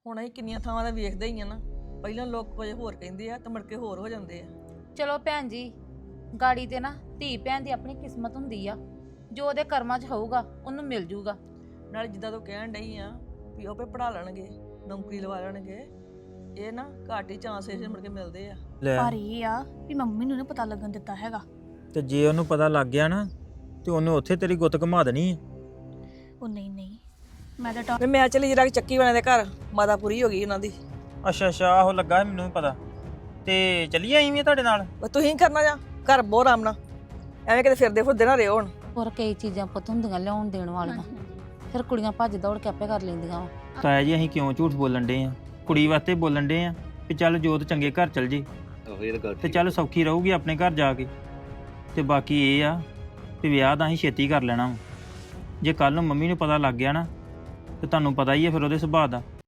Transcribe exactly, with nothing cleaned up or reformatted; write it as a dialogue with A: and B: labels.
A: ਹੁਣ ਅਸੀਂ ਕਿੰਨੀਆਂ ਥਾਵਾਂ ਦਾ ਵੇਖਦੇ ਹੀ ਆ ਨਾ। ਪਹਿਲਾਂ ਲੋਕ ਕੁਝ ਹੋਰ ਕਹਿੰਦੇ ਆ ਤੇ ਮੁੜ ਕੇ ਹੋਰ ਹੋ ਜਾਂਦੇ ਆ।
B: ਚਲੋ ਭੈਣ ਜੀ, ਗਾੜੀ ਤੇ ਨਾ ਧੀ ਭੈਣ ਦੀ ਆਪਣੀ ਕਿਸਮਤ ਹੁੰਦੀ ਆ, ਜੋ ਉਹਦੇ ਕਰਮਾਂ 'ਚ ਹੋਊਗਾ ਉਹਨੂੰ ਮਿਲ ਜੂਗਾ।
A: ਨਾਲੇ ਜਿੱਦਾਂ ਤੂੰ ਕਹਿਣ ਡਈ ਆ ਵੀ ਉਹ ਪੇ ਪੜਾ ਲੈਣਗੇ, ਨੌਕਰੀ ਲਵਾ ਲੈਣਗੇ, ਇਹ ਨਾ ਘੱਟ ਹੀ ਚਾਂਸ ਇਸ ਮੁੜ ਕੇ ਮਿਲਦੇ ਆ।
C: ਲੈ
D: ਪਰ ਇਹ ਆ ਵੀ ਮੰਮੀ ਨੂੰ ਨੀ ਪਤਾ ਲੱਗਣ ਦਿੱਤਾ ਹੈਗਾ।
C: ਤੇ ਜੇ ਉਹਨੂੰ ਪਤਾ ਲੱਗ ਗਿਆ ਨਾ ਤੇ ਉਹਨੇ ਉੱਥੇ ਤੇਰੀ ਗੁੱਤ ਘੁਮਾ ਦੇਣੀ ਆ।
D: ਉਹ ਨਹੀਂ ਨਹੀਂ, ਮੈਂ ਤਾਂ ਟਾ-
A: ਵੀ ਮੈਂ ਚਲੀ ਜਰਾ ਚੱਕੀ ਵਾਲਿਆਂ ਦੇ ਘਰ, ਮਾਤਾ ਪੂਰੀ ਹੋ ਗਈ ਉਹਨਾਂ ਦੀ।
C: ਅੱਛਾ ਅੱਛਾ, ਆਹੋ ਲੱਗਾ ਸੀ ਮੈਨੂੰ ਵੀ ਪਤਾ। ਤੇ ਚੱਲੀਏ ਅਸੀਂ ਵੀ ਤੁਹਾਡੇ ਨਾਲ।
A: ਉਹ ਤੁਸੀਂ ਕਰਨਾ ਜਾ ਘਰ ਬਹੁਤ ਆਰਾਮ ਨਾਲ, ਐਵੇਂ ਕਿਤੇ ਫਿਰਦੇ ਫੁਰਦੇ ਨਾ ਰਿਓ ਹੁਣ।
B: ਹੋਰ ਕਈ ਚੀਜ਼ਾਂ ਪੁੱਤ ਹੁੰਦੀਆਂ ਲਿਆਉਣ ਦੇਣ ਵਾਲੀਆਂ, ਫਿਰ ਕੁੜੀਆਂ ਭੱਜ ਦੌੜ ਕੇ ਆਪੇ ਕਰ ਲੈਂਦੀਆਂ ਵਾ।
C: ਤਾਇਆ ਜੀ ਅਸੀਂ ਕਿਉਂ ਝੂਠ ਬੋਲਣ ਡੇ ਆ? ਕੁੜੀ ਵਾਸਤੇ ਬੋਲਣ ਡੇ ਆ ਵੀ ਚੱਲ ਜੋਤ ਚੰਗੇ ਘਰ ਚਲ ਜੇ ਤੇ ਚੱਲ ਸੌਖੀ ਰਹੂਗੀ ਆਪਣੇ ਘਰ ਜਾ ਕੇ। ਤੇ ਬਾਕੀ ਇਹ ਆ ਵੀ ਵਿਆਹ ਤਾਂ ਅਸੀਂ ਛੇਤੀ ਕਰ ਲੈਣਾ ਵਾ। ਜੇ ਕੱਲ ਨੂੰ ਮੰਮੀ ਨੂੰ ਪਤਾ ਲੱਗ ਗਿਆ ਨਾ ਤੇ ਤੁਹਾਨੂੰ ਪਤਾ ਹੀ ਹੈ ਫਿਰ ਉਹਦੇ ਸੁਭਾਅ ਦਾ।